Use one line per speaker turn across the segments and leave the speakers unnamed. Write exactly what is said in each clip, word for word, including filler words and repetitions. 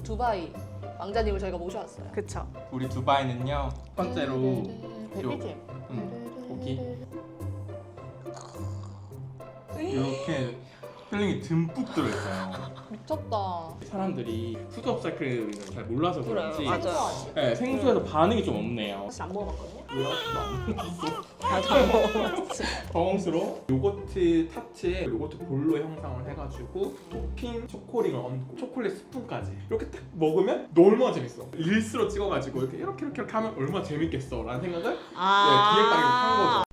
두바이 왕자님을 저희가 모셔왔어요.
그쵸.
우리 두바이는요 첫 번째로
베비지?
음, 고기 이렇게 필링이 듬뿍 들어있어요.
미쳤다.
사람들이 푸드 업사이클을 잘 몰라서 그런지
맞아요.
생소하지?
네, 생수에서 반응이 좀 없네요.
사실 안 먹어봤거든요.
왜요? 안 먹었어?
나도 안 먹어봤지.
당황스러워. 요거트 타츠에 요거트 볼로 형상을 해가지고 토핑 초코링을 얹고 초콜릿 스푼까지 이렇게 딱 먹으면 너 얼마나 재밌어. 릴스로 찍어가지고 이렇게 이렇게 이렇게, 이렇게 하면 얼마나 재밌겠어 라는 생각을
아.
네, 기획단이 한 거죠.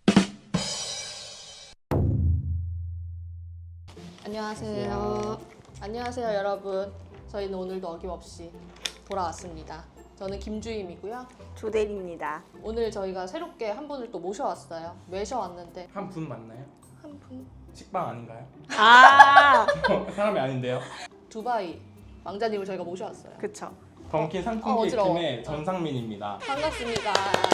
안녕하세요. 안녕하세요 여러분. 저희는 오늘도 어김없이 돌아왔습니다. 저는 김주임이고요.
조대리입니다.
오늘 저희가 새롭게 한 분을 또 모셔왔어요. 모셔왔는데
한 분 맞나요?
한 분?
식빵 아닌가요?
아.
사람이 아닌데요.
두바이 왕자님을 저희가 모셔왔어요.
그쵸.
던킨
어,
상품
어지러워.
기획팀의 전상민입니다.
반갑습니다.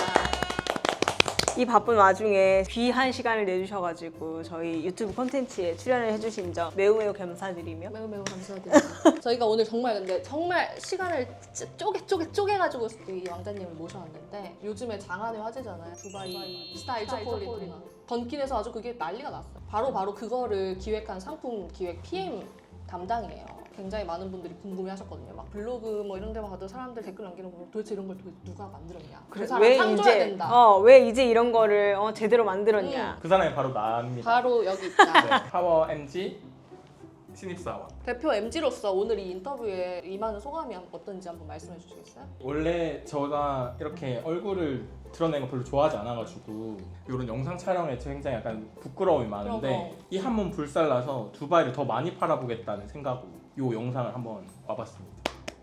이 바쁜 와중에 귀한 시간을 내주셔가지고 저희 유튜브 콘텐츠에 출연을 해주신 점 매우 매우 감사드리며
매우 매우 감사드립니다. 저희가 오늘 정말 근데 정말 시간을 쪼개 쪼개 쪼개가지고 이 왕자님을 모셔왔는데 요즘에 장안의 화제잖아요. 두바이 스타일 초콜릿. 던킨에서 아주 그게 난리가 났어요. 바로 바로 그거를 기획한 상품 기획 피엠 담당이에요. 굉장히 많은 분들이 궁금해하셨거든요. 막 블로그 뭐 이런 데만 가도 사람들 댓글 남기는 거 보면 도대체 이런 걸 도대체 누가 만들었냐. 그 사람 상 줘야 된다.
어, 왜 이제 이런 거를 어, 제대로 만들었냐.
그 사람이 바로 나입니다.
바로 여기 있다.
네, 파워 엠지 신입사원.
대표 엠지로서 오늘 이 인터뷰에 임하는 소감이 어떤지 한번 말씀해 주시겠어요?
원래 제가 이렇게 얼굴을 드러내는 거 별로 좋아하지 않아가지고 이런 영상 촬영에 굉장히 약간 부끄러움이 많은데 이 한 몸 불살라서 두바이를 더 많이 팔아보겠다는 생각으로 이 영상을 한번 와봤습니다.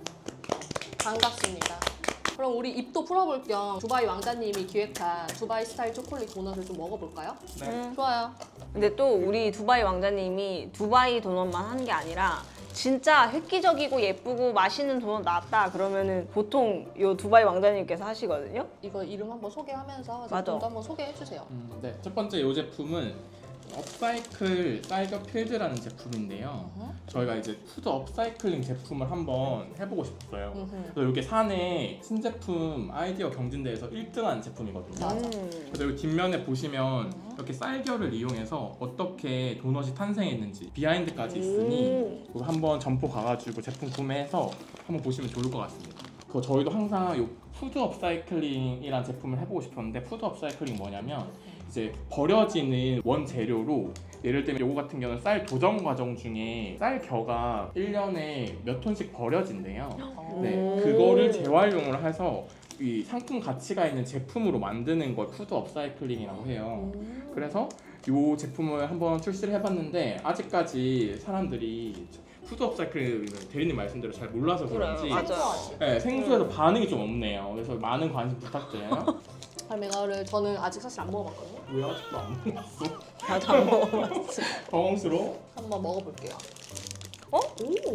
반갑습니다. 그럼 우리 입도 풀어볼 겸 두바이 왕자님이 기획한 두바이 스타일 초콜릿 도넛을 좀 먹어볼까요?
네.
음.
좋아요.
근데 또 우리 두바이 왕자님이 두바이 도넛만 한 게 아니라 진짜 획기적이고 예쁘고 맛있는 도넛 나왔다 그러면은 보통 요 두바이 왕자님께서 하시거든요.
이거 이름 한번 소개하면서
맞아.
제품도 한번 소개해 주세요.
음, 네. 첫 번째 이 제품은 업사이클 사이버 필드라는 제품인데요.
어허.
저희가 이제 푸드 업사이클링 제품을 한번 해보고 싶었어요.
음흠.
그래서 이게 사내 신제품 아이디어 경진대회에서 일 등한 제품이거든요.
맞아.
음.
그래서 여기 뒷면에 보시면
음.
이렇게 쌀겨를 이용해서 어떻게 도넛이 탄생했는지 비하인드까지 있으니 이거 한번 점포 가가지고 제품 구매해서 한번 보시면 좋을 것 같습니다. 그 저희도 항상 이 푸드 업사이클링이라는 제품을 해보고 싶었는데 푸드 업사이클링 뭐냐면 이제 버려지는 원재료로 예를 들면 요거 같은 경우는 쌀 도정 과정 중에 쌀 겨가 일 년에 몇 톤씩 버려진대요. 네,
오.
그거를 재활용을 해서 이 상품 가치가 있는 제품으로 만드는 걸 푸드 업사이클링이라고 해요.
음.
그래서 이 제품을 한번 출시를 해봤는데 아직까지 사람들이 푸드 업사이클 대리님 말씀대로 잘 몰라서 그런지
그래요, 맞아.
생소하지?
네, 생수에서 반응이 좀 없네요. 그래서 많은 관심 부탁드려요.
그럼 이거를 저는 아직 사실 안 먹어봤거든요.
왜 아직도 안 먹었어?
나도 안 먹어봤지.
당황스러워?
한번 먹어볼게요.
어?
오.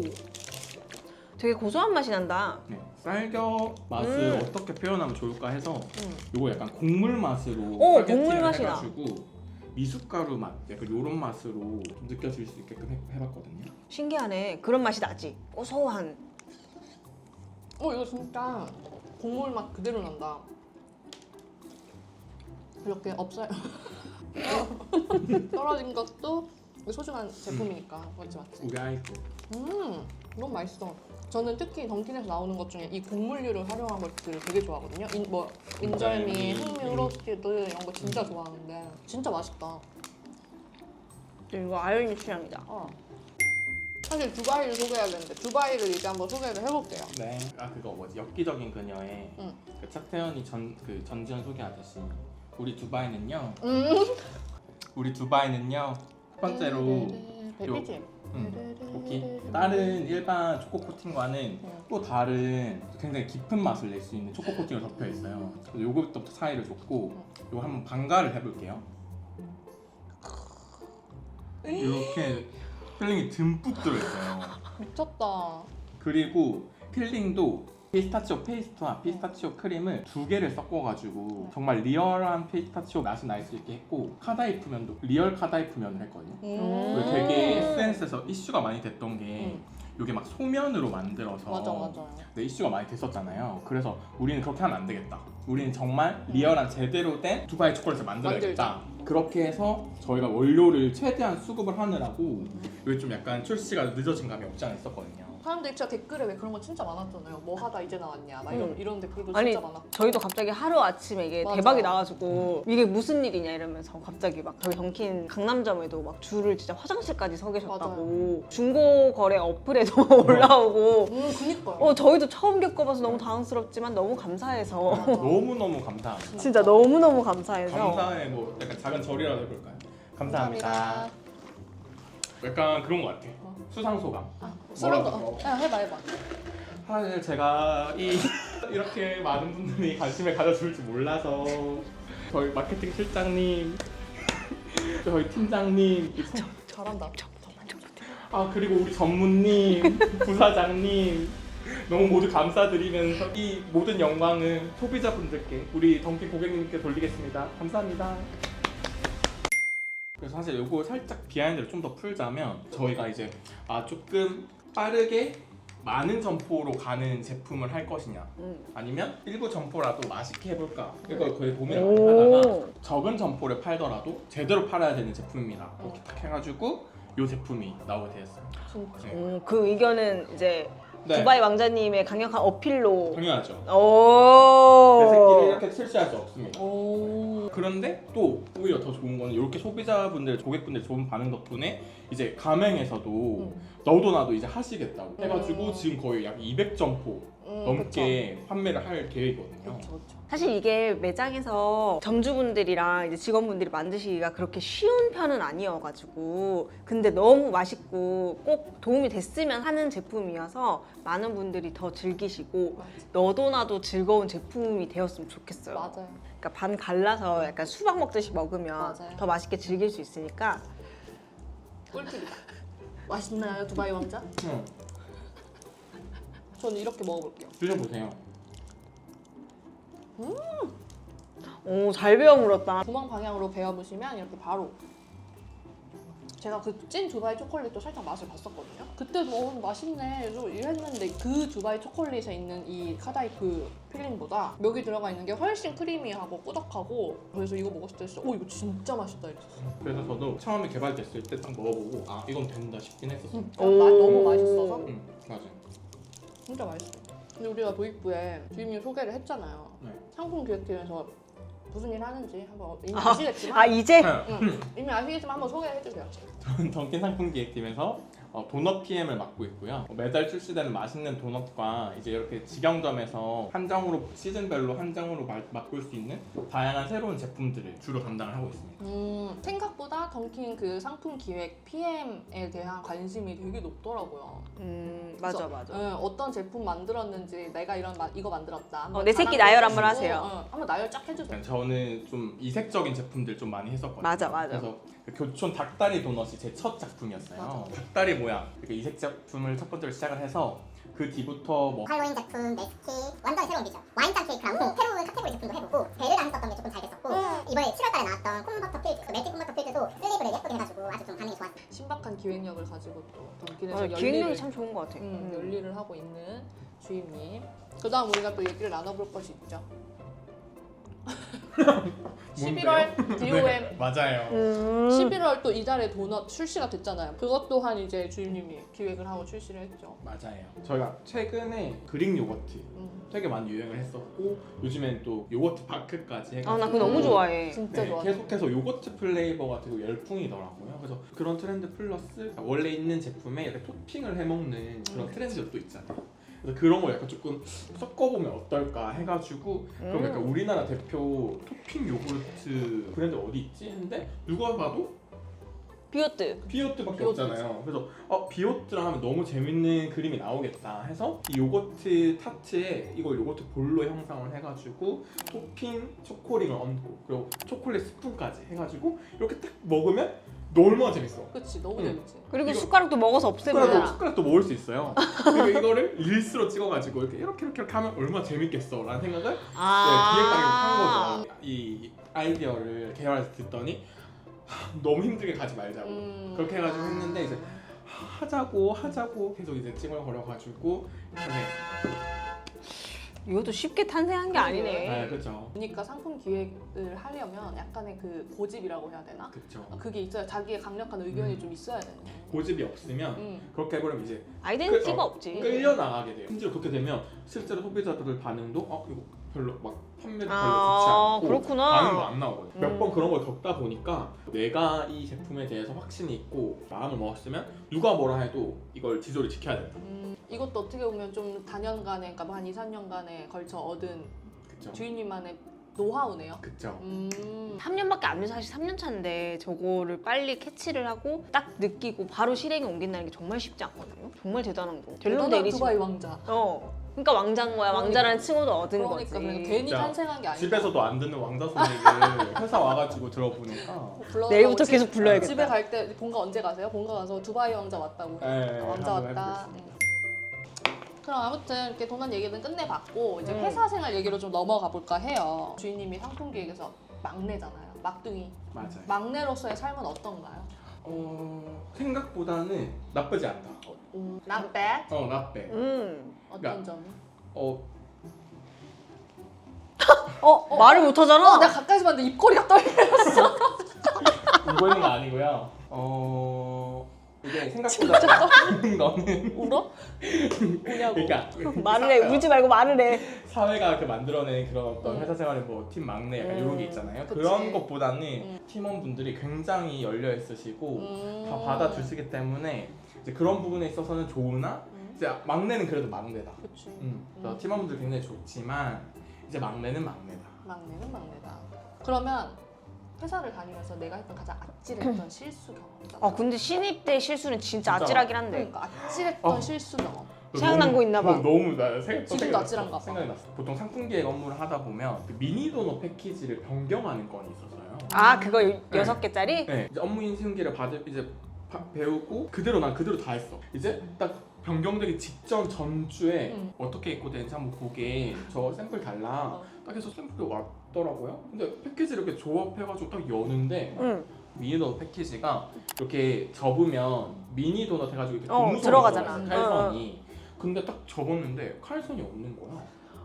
되게 고소한 맛이 난다.
네, 쌀겨 맛을
음.
어떻게 표현하면 좋을까 해서
음.
이거 약간 곡물 맛으로
오,
스파게티를
곡물 맛이 나.
해가지고 미숫가루 맛, 약간 이런 맛으로 좀 느껴질 수 있게끔 해, 해봤거든요.
신기하네. 그런 맛이 나지. 고소한.
어 이거 진짜 국물 맛 그대로 난다. 이렇게 없어요. 떨어진 것도 소중한 제품이니까 맞지 맞지.
우리 아이고.
음 너무 맛있어. 저는 특히 던킨에서 나오는 것 중에 이 곡물류를 활용한 것들을 되게 좋아하거든요. 인, 뭐 인절미,
인절미,
흑미,
음.
로스티드 이런 거 진짜 좋아하는데 진짜 맛있다.
이거 아연이 취향이다.
어. 사실 두바이를 소개해야 되는데 두바이를 이제 한번 소개를 해볼게요.
네. 아 그거 뭐지? 엽기적인 그녀의
응.
그 차태현이 전 그 전지현 소개하듯이 우리 두바이는요.
음.
우리 두바이는요. 첫 번째로
베비지?
음, 고기. 다른 일반 초코 코팅과는 또 다른 굉장히 깊은 맛을 낼 수 있는 초코 코팅을 덮여 있어요. 그래서 요거부터 사이를 줬고 요거 한번 반가를 해볼게요. 이렇게 필링이 듬뿍 들어있어요.
미쳤다.
그리고 필링도 피스타치오 페이스트와 피스타치오 크림을 두 개를 섞어가지고 정말 리얼한 피스타치오 맛이 날 수 있게 했고 카다이프 면도 리얼 카다이프 면을 했거든요.
음.
그리고 되게 에스엔에스에서 이슈가 많이 됐던 게
음.
이게 막 소면으로 만들어서
맞아 맞아요.
네, 이슈가 많이 됐었잖아요. 그래서 우리는 그렇게 하면 안 되겠다. 우리는 정말 리얼한 제대로 된 두바이 초콜릿을 만들어야겠다. 그렇게 해서 저희가 원료를 최대한 수급을 하느라고 이게 좀 약간 출시가 늦어진 감이 없지 않아 있었거든요.
사람들이 진짜 댓글에 왜 그런 거 진짜 많았잖아요. 뭐 하다 이제 나왔냐 막 이런,
음.
이런 댓글도
아니
진짜 많았고.
저희도 갑자기 하루 아침에 이게
맞아.
대박이 나가지고 이게 무슨 일이냐 이러면서 갑자기 막 저희 던킨 강남점에도 막 줄을 진짜 화장실까지 서 계셨다고 중고 거래 어플에도 올라오고
음 그니까요.
어 저희도 처음 겪어봐서 너무 당황스럽지만 너무 감사해서
맞아.
너무너무 감사합니다.
진짜 너무너무 감사해서
감사의 뭐 약간 작은 절이라도 해볼까요? 감사합니다.
감사합니다.
약간 그런 것 같아.
어.
수상 소감.
아, 술한
뭐라고?
거. 야 해봐 해봐.
사실 제가 이 이렇게 많은 분들이 관심을 가져줄지 몰라서 저희 마케팅 실장님, 저희 팀장님,
잘한다.
아 그리고 우리 전무님, 부사장님 너무 모두 감사드리면서 이 모든 영광은 소비자분들께 우리 던킨 고객님께 돌리겠습니다. 감사합니다. 그래서 사실 이거 살짝 비하인드를 좀 더 풀자면 저희가 이제 아 조금 빠르게 많은 점포로 가는 제품을 할 것이냐
음.
아니면 일부 점포라도 맛있게 해볼까 이거 거의 고민을 많이 하다가
오.
적은 점포를 팔더라도 제대로 팔아야 되는 제품입니다 이렇게 딱 해가지고 이 제품이 나오게 되었어요.
진짜.
네.
음, 그 의견은 이제
네.
두바이 왕자님의 강력한 어필로
당연하죠.
오.
내 새끼를 이렇게 실시할 수 없습니다.
오.
그런데 또 오히려 더 좋은 거는 이렇게 소비자분들, 고객분들 좋은 반응 덕분에 이제 가맹에서도
음.
너도 나도 이제 하시겠다고 해가지고
음.
지금 거의 약 이백 점포
음,
넘게 판매를 할 계획이거든요.
그쵸 그쵸.
사실 이게 매장에서 점주분들이랑 이제 직원분들이 만드시기가 그렇게 쉬운 편은 아니어가지고 근데 너무 맛있고 꼭 도움이 됐으면 하는 제품이어서 많은 분들이 더 즐기시고
맞아.
너도 나도 즐거운 제품이 되었으면 좋겠어요.
맞아요.
그러니까 반 갈라서 약간 수박 먹듯이 먹으면
맞아요.
더 맛있게 즐길 수 있으니까
꿀팁이다. 맛있나요 두바이 왕자?
응,
저는 이렇게 먹어볼게요.
드셔보세요.
오 잘 배워 물었다.
구멍 방향으로 베어보시면 이렇게 바로 제가 그 찐 두바이 초콜릿도 살짝 맛을 봤었거든요. 그때도 어, 맛있네 좀 이랬는데 그 두바이 초콜릿에 있는 이 카다이프 필링보다 여기 들어가 있는 게 훨씬 크리미하고 꾸덕하고 그래서 이거 먹었을 때 진짜 오 이거 진짜 맛있다 이랬었어요.
그래서 저도 처음에 개발됐을 때 딱 먹어보고 아 이건 된다 싶긴 했었어요.
음, 맛 너무 맛있어서
응, 맞아요.
진짜 맛있어요. 근데 우리가 도입부에 주임님 소개를 했잖아요.
네.
상품 기획팀에서 무슨 일 하는지 한번 이미
아,
아시겠지만
아 이제
응, 이미 아시겠지만 한번 소개해주세요.
저는 던킨 상품 기획팀에서 어, 도넛 피엠을 맡고 있고요. 어, 매달 출시되는 맛있는 도넛과 이제 이렇게 직영점에서 한정으로 시즌별로 한정으로 마, 맛볼 수 있는 다양한 새로운 제품들을 주로 담당을 하고 있습니다.
음, 생각보다 던킨 그 상품 기획 피엠에 대한 관심이 되게 높더라고요.
음 맞아
그래서,
맞아.
응, 어떤 제품 만들었는지 내가 이런 마, 이거 만들었다. 한번
어, 내 새끼
자랑을
나열 한번
해주시고,
하세요.
응, 한번 나열 쫙 해주세요.
그러니까 저는 좀 이색적인 제품들 좀 많이 했었거든요.
맞아, 맞아.
그래서 그 교촌 닭다리 도넛이 제 첫 작품이었어요.
맞아.
닭다리 모양 그 이색 제품을 첫 번째로 시작을 해서 그 뒤부터 뭐
할로윈 제품, 네스키 완전 새로운 비전 와인잔 케이크랑 또 새로운 카테고리 제품도 해보고 베르랑 했었던 게 조금 잘 됐었고 이번에 칠월달에 나왔던 콤버터 필드, 그 멜팅 콤버터 필드도 슬리브를 예쁘게 해가지고 아주 좀 반응이 좋았어요.
신박한 기획력을 가지고 또 던킨에서
어,
열일을,
기획력이 참 좋은 것 같아.
음,
음.
열일을 하고 있는 주임님. 그다음 우리가 또 얘기를 나눠볼 것이 있죠. 십일월 디오엠
네, 맞아요.
음.
십일월 또 이달에 도넛 출시가 됐잖아요. 그것 또한 이제 주임님이 기획을 하고 출시를 했죠.
맞아요. 저희가 최근에 그릭 요거트
음,
되게 많이 유행을 했었고 요즘엔 또 요거트 바크까지 해가지고
아 나 그거 너무 좋아해.
진짜
네,
좋아.
계속해서 요거트 플레이버가 되게 열풍이더라고요. 그래서 그런 트렌드 플러스 원래 있는 제품에 이렇게 토핑을 해먹는 그런
음,
트렌드가 또 있잖아요. 그래서 그런 거 약간 조금 섞어보면 어떨까 해가지고 그럼
음.
약간 우리나라 대표 토핑 요구르트 브랜드 어디 있지? 했는데 누가 봐도
비오트.
비오트밖에
비오트지.
없잖아요. 그래서 어 비오트랑 하면 너무 재밌는 그림이 나오겠다 해서 이 요거트 타츠에 이걸 요거트 볼로 형상을 해가지고 토핑 초코링을 얹고 그리고 초콜릿 스푼까지 해가지고 이렇게 딱 먹으면 너 얼마나 재밌어.
그치 너무
응.
재밌지.
그리고
이거-
숟가락도 먹어서 없애면
숟가락도,
되잖아.
숟가락도 먹을 수 있어요. 그리고 이거를 릴스로 찍어가지고 이렇게 이렇게 이렇게, 이렇게 하면 얼마나 재밌겠어 라는 생각을 네, 기획하기로 한 거죠. 이 아이디어를 개발해서 듣더니 하, 너무 힘들게 가지 말자고
음.
그렇게 해가지고 했는데 이제 하자고 하자고 계속 이제 찡얼거려가지고 네,
이것도 쉽게 탄생한 게 아니네.
네 그렇죠.
그러니까 상품 기획을 하려면 약간의 그 고집이라고 해야 되나?
그렇죠.
그게 있어야 자기의 강력한 의견이
음.
좀 있어야 되는 거예요.
고집이 없으면
음.
그렇게 해버리면 이제
아이덴티티가
끌- 어,
없지.
끌려 나가게 돼요. 심지어 그렇게 되면 실제로 소비자들 반응도 어 이거 별로 막 판매도 별로
아,
좋지 않고
그렇구나.
반응도 안 나오거든요. 몇 번
음.
그런 걸 겪다 보니까 내가 이 제품에 대해서 확신이 있고 마음을 먹었으면 누가 뭐라 해도 이걸 지조를 지켜야 된다.
음, 이것도 어떻게 보면 좀 다년간에, 그러니까 한 이, 삼 년간에 걸쳐 얻은
그렇죠.
주인님만의 노하우네요.
그렇죠.
음,
삼 년밖에 안 돼서 사실 삼 년 차인데 저거를 빨리 캐치를 하고 딱 느끼고 바로 실행에 옮긴다는 게 정말 쉽지 않거든요. 정말 대단한 거. 델론
대단한
데리지.
두바이 왕자.
어. 그러니까 왕자인 거야. 왕자라는 칭호도 얻은
그러니까,
거지.
그러니까 괜히
진짜
탄생한 게 아니야.
집에서도 안 듣는 왕자 소리를 회사 와가지고 들어보니까
내일부터 계속 불러야겠다.
집에 갈 때 본가 언제 가세요? 본가 가서 두바이 왕자 왔다고.
네,
왕자
한번
왔다.
해보겠습니다.
음. 그럼 아무튼 이렇게 도난 얘기는 끝내봤고 이제
음.
회사 생활 얘기로 좀 넘어가 볼까 해요. 주인님이 상품 기획에서 막내잖아요. 막둥이.
맞아요.
막내로서의 삶은 어떤가요?
어 생각보다는 나쁘지 않다.
음, not bad.
어 나빼.
음.
어떤
그러니까-
점이?
어
어, 말을 못 하잖아.
어, 내가 가까이서 봤는데 입꼬리가 떨렸어.
울고 있는 거 아니고요. 어 이게 생각보다 너는
울어? 우냐고.
그러니까
말을 해. 울지 말고 말을 해.
사회가 그 만들어낸 그런 어떤
음.
회사 생활의 뭐 팀 막내 약간 이런 게
음,
있잖아요.
그치.
그런 것보다는
음.
팀원분들이 굉장히 열려 있으시고
음.
다 받아주시기 때문에 이제 그런 부분에 있어서는 좋으나
음.
이제 막내는 그래도 막내다.
그치.
음. 그래서
음.
팀원분들 굉장히 좋지만 이제 막내는 막내다.
막내는 막내다. 그러면 회사를 다니면서 내가 했던 가장 아찔했던 실수 경험 있잖아.
아, 근데 신입 때 실수는 진짜
진짜.
아찔하긴 한데.
그러니까 아찔했던
어.
실수 경험.
생각난
너무-
거 있나 봐.
어, 너무 나 생,
지금도
생각이
아찔한가
났어.
봐.
생각이 났어. 보통 상품 기획 업무를 하다 보면 그 미니 도넛 패키지를 변경하는 건이 있어서요.
아, 그거 여섯 개짜리?
네, 이제 업무 인수인계를 받을 이제 바- 배우고 그대로 난 그대로 다 했어. 이제 딱 변경되기 직전 전주에
음.
어떻게 입고 되는지 한번 보게 저 샘플 달라.
어.
딱 해서 샘플이 왔더라고요. 근데 패키지를 이렇게 조합해가지고 딱 여는데
응.
미니 도넛 패키지가 이렇게 접으면 미니 도넛 해가지고 이렇게
어,
고무선이
들어가잖아.
들어가 있어, 칼선이. 근데 딱 접었는데 칼선이 없는 거야.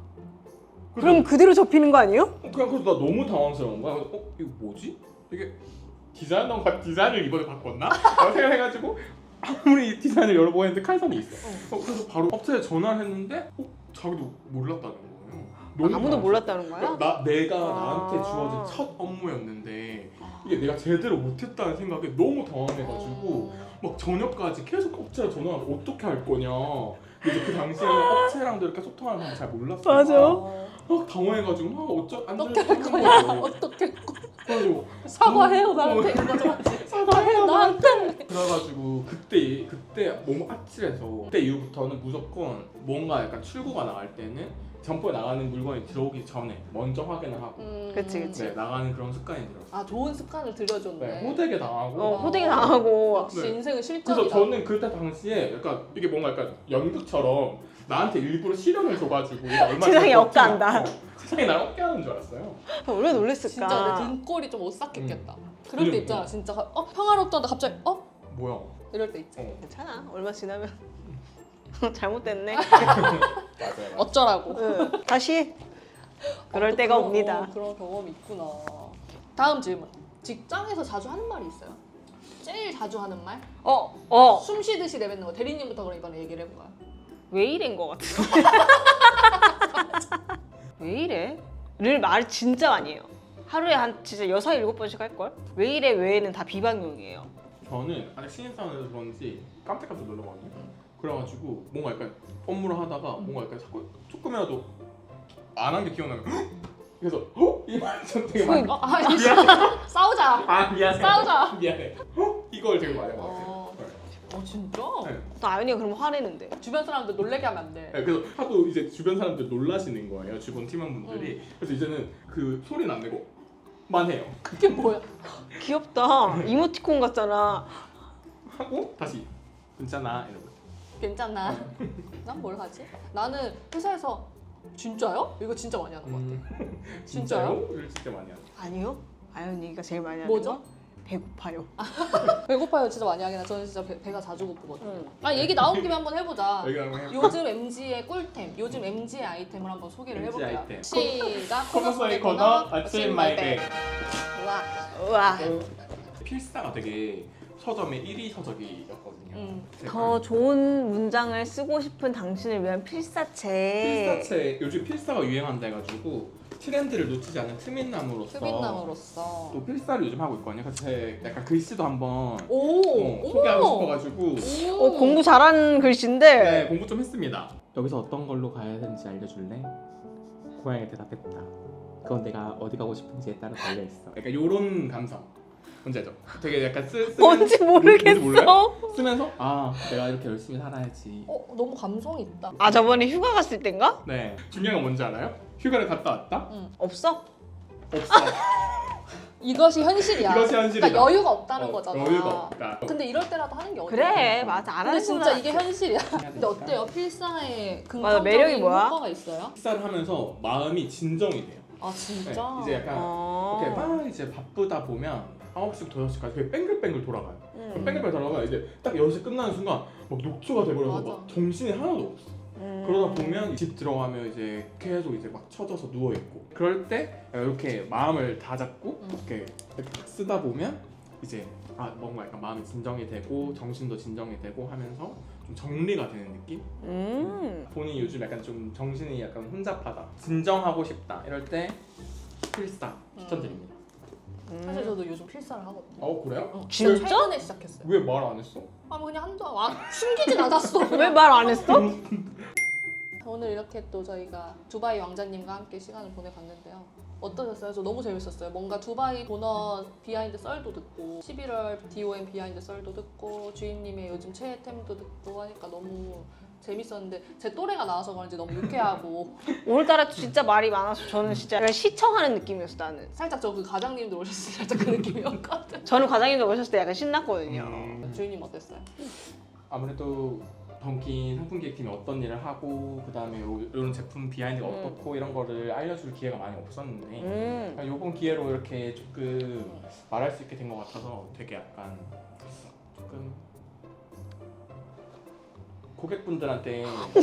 그래서
그럼 그대로 접히는 거 아니에요?
그냥 그래서 나 너무 당황스러운 거야. 그래서 어 이거 뭐지? 이게 디자이너 디자인을 이번에 바꿨나? 라고 생각해가지고 아무리 디자인을 여러 번 했는데 칼선이 있어. 어, 그래서 바로 업체에 전화를 했는데 어 자기도 몰랐다는 거예요. 너무
아무도
당황스러워.
몰랐다는 거야?
나 내가
아.
나한테 주어진 첫 업무였는데 이게 내가 제대로 못했다는 생각에 너무 당황해가지고 막 저녁까지 계속 업체에 전화하고 어떻게 할 거냐. 이제 그 당시에는 업체랑도 이렇게 소통하는 걸 잘 몰랐어.
맞아.
어.
막 당황해가지고 막 어쩌 안
어떻게
들리는
할 거냐?
거예요.
어떻게
그래가지고
사과해요
어,
나한테 이거 좀 하지.
사과해요
나한테.
그래가지고 그때 그때 너무 아찔해서 그때 이후부터는 무조건 뭔가 약간 출고가 나갈 때는 점포에 나가는 물건이 들어오기 전에 먼저 확인을 하고
음.
그치, 그치.
네, 나가는 그런 습관이 들었어요.
아 좋은 습관을 들여줬네.
네, 호되게 당하고
어, 호되게 당하고.
역시
네.
인생은 실전이다.
그래서 저는 그때 당시에 약간 이게 뭔가 약간 연극처럼 나한테 일부러 시련을 줘가지고 이게 얼마
세상이
될
억까한다.
것 같지? 어, 세상이 나를 억까하는 줄 알았어요.
얼마나 놀랬을까.
진짜 내 등골이 좀 오싹했겠다. 그럴 때
그리고-
있잖아 진짜 어 평화롭다는데 갑자기 어
뭐야?
이럴 때 있지.
어,
괜찮아. 얼마 지나면 잘못됐네.
맞아요.
어쩌라고.
응. 다시 그럴
또
때가
그런-
옵니다.
어, 그런 경험이 있구나. 다음 질문. 직장에서 자주 하는 말이 있어요? 제일 자주 하는 말?
어, 어.
숨 쉬듯이 내뱉는 거. 대리님부터 그럼 이번에 얘기를 해볼까요?
왜 이래인 것 같은데. 왜 이래? 를 말 진짜 많이 해요. 하루에 한 진짜 여섯 일곱 번씩 할걸? 왜 이래 왜는 다 비방용이에요.
저는 아직 신입사원이라서 그런지 깜짝깜짝 놀라거든요. 그래가지고 뭔가 약간 업무를 하다가 뭔가 약간 자꾸 조금이라도 안 한 게 기억나면 헉! 그래서 어? 이말 전 되게 많이
어, 아, 이씨.
미안해.
싸우자.
아 미안해.
싸우자.
미안해. 어? 이걸 되게 많이 해봤어요.
어.
네.
어 진짜?
네.
또 아윤이가 그럼 화내는데.
주변 사람들 놀래게 하면 안 돼.
네, 그래서 하도 이제 주변 사람들 놀라시는 거예요. 주변 팀원분들이. 그래서 이제는 그 소리는 안 내고 만 해요.
그게 뭐야?
귀엽다. 이모티콘 같잖아.
하고 다시 괜찮아 이러고.
괜찮나? 난 뭘 하지? 나는 회사에서 진짜요? 이거 진짜 많이 하는 것 같아.
음,
진짜요?
이를 진짜 많이 하죠.
아니요. 아윤이가 제일 많이 하는
뭐죠?
거? 배고파요.
배고파요 진짜 많이 하긴 해. 저는 진짜 배, 배가 자주 고프거든요.
응.
아 얘기 나온 김에 한번 해보자.
여기 한번 해볼까?
요즘 엠지의 꿀템, 요즘 엠지의 아이템을 한번 소개를
엠지
해볼게요.
아이템.
시작.
커머스의 코너 아침 마이백.
와.
우와.
필사가 되게 서점의 일 위 서적이었거든요.
음.
제가
더 좋은 문장을 쓰고 싶은 당신을 위한 필사체.
필사체 요즘 필사가 유행한다 해가지고 트렌드를 놓치지 않는 트민남으로서
트윈남으로서.
또 필사를 요즘 하고 있거든요. 그래서 제 약간 글씨도 한번
오.
어, 소개하고 싶어가지고
오.
어, 공부 잘하는 글씨인데.
네 공부 좀 했습니다. 여기서 어떤 걸로 가야 되는지 알려줄래? 고양이가 대답했다. 그건 내가 어디 가고 싶은지에 따라 달려 있어. 약간 요런 감성. 뭔지 알죠? 되게 약간 쓰, 쓰면
뭔지
뭔지 몰라요?
모르겠어.
쓰면서 아 내가 이렇게 열심히 살아야지.
어 너무 감성 있다.
아 저번에 휴가 갔을 땐가?
네 중요한 건 뭔지 알아요? 휴가를 갔다 왔다?
없어?
없어.
이것이 현실이야.
이것이 현실이다.
그러니까 여유가 없다는
어,
거잖아.
여유가 없다.
근데 이럴 때라도 하는 게 어디야?
그래 맞아 안
근데
하는
진짜 이게 현실이야. 근데
되니까.
어때요? 필사의
맞아,
긍정적인
매력이 뭐야?
효과가 있어요?
식사를 하면서 마음이 진정이 돼요.
아 진짜?
네, 이제 약간
어.
이렇게 막 이제 바쁘다 보면 아홉 시부터 여섯 시까지 되게 뺑글뺑글 돌아가요.
음.
뺑글뺑글 돌아가 이제 딱 여섯 시 끝나는 순간 막 녹초가 돼버려서
맞아.
막 정신이 하나도 없어.
음.
그러다 보면 집 들어가면 이제 계속 이제 막 쳐져서 누워 있고 그럴 때 이렇게 마음을 다 잡고
음.
이렇게, 이렇게 딱 쓰다 보면 이제 아 뭔가 약간 마음이 진정이 되고 정신도 진정이 되고 하면서 좀 정리가 되는 느낌?
음.
본인이 요즘 약간 좀 정신이 약간 혼잡하다 진정하고 싶다 이럴 때 필사 추천드립니다.
사실 저도 요즘 필사를 하거든요.
어 그래요?
어,
진짜?
최근에 시작했어요.
왜 말 안 했어?
아 뭐 그냥 한두 아 숨기진 않았어.
왜 말 안 했어?
오늘 이렇게 또 저희가 두바이 왕자님과 함께 시간을 보내봤는데요. 어떠셨어요? 저 너무 재밌었어요. 뭔가 두바이 도넛 비하인드 썰도 듣고 십일월 디오엠 비하인드 썰도 듣고 주인님의 요즘 최애템도 듣고 하니까 너무 재밌었는데 제 또래가 나와서 그런지 너무 유쾌하고
오늘따라 진짜 말이 많아서 저는 진짜 약간 시청하는 느낌이었어 나는.
살짝 저 그 과장님들 오셨을 때 살짝 그 느낌이었거든.
저는 과장님도 오셨을 때 약간 신났거든요.
음,
주인님 어땠어요?
아무래도 던킨 상품 기획팀이 어떤 일을 하고 그 다음에 이런 제품 비하인드가
음.
어떻고 이런 거를 알려줄 기회가 많이 없었는데
음.
이번 기회로 이렇게 조금 말할 수 있게 된 것 같아서 되게 약간 조금 고객분들한테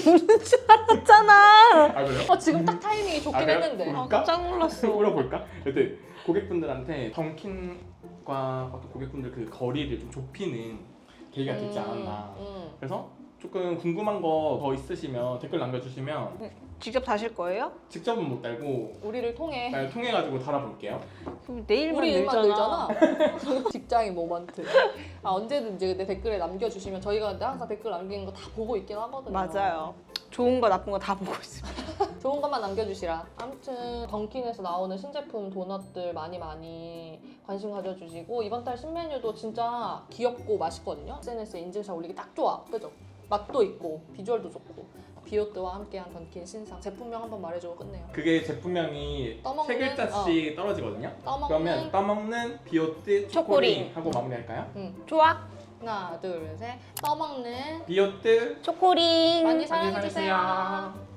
있잖아.
아 그래요?
어 지금 딱 타이밍이 좋긴
아, 그래요?
했는데.
음.
아, 깜짝 놀랐어.
물어볼까? 여튼 고객분들한테 던킨과 어떤 고객분들 그 거리를 좀 좁히는 계기가 되지 않았나.
음,
그래서 조금 궁금한 거 더 있으시면 댓글 남겨주시면
직접 다실 거예요?
직접은 못 달고
음. 우리를 통해
날 통해 가지고 달아볼게요.
그럼 내일만
우리 일만
늘잖아.
늘잖아. 직장인 모먼트. 아 언제든지 근데 댓글에 남겨주시면 저희가 근데 항상 댓글 남기는 거 다 보고 있긴 하거든요.
맞아요. 좋은 거 나쁜 거 다 보고 있습니다.
좋은 것만 남겨주시라. 아무튼 던킨에서 나오는 신제품 도넛들 많이 많이 관심 가져주시고 이번 달 신메뉴도 진짜 귀엽고 맛있거든요. 에스엔에스에 인증샷 올리기 딱 좋아. 그죠? 맛도 있고 비주얼도 좋고. 비오트와 함께한 던킨 신상 제품명 한번 말해주고 끝내요.
그게 제품명이
떠먹는-
세 글자씩 떨어지거든요.
떠먹는
그러면 떠먹는 비오트
초코링.
초코링 하고 마무리할까요?
좋아.
하나 둘 셋 떠먹는
비오트
초코링.
많이
많이
사랑해주세요.
사랑해주세요.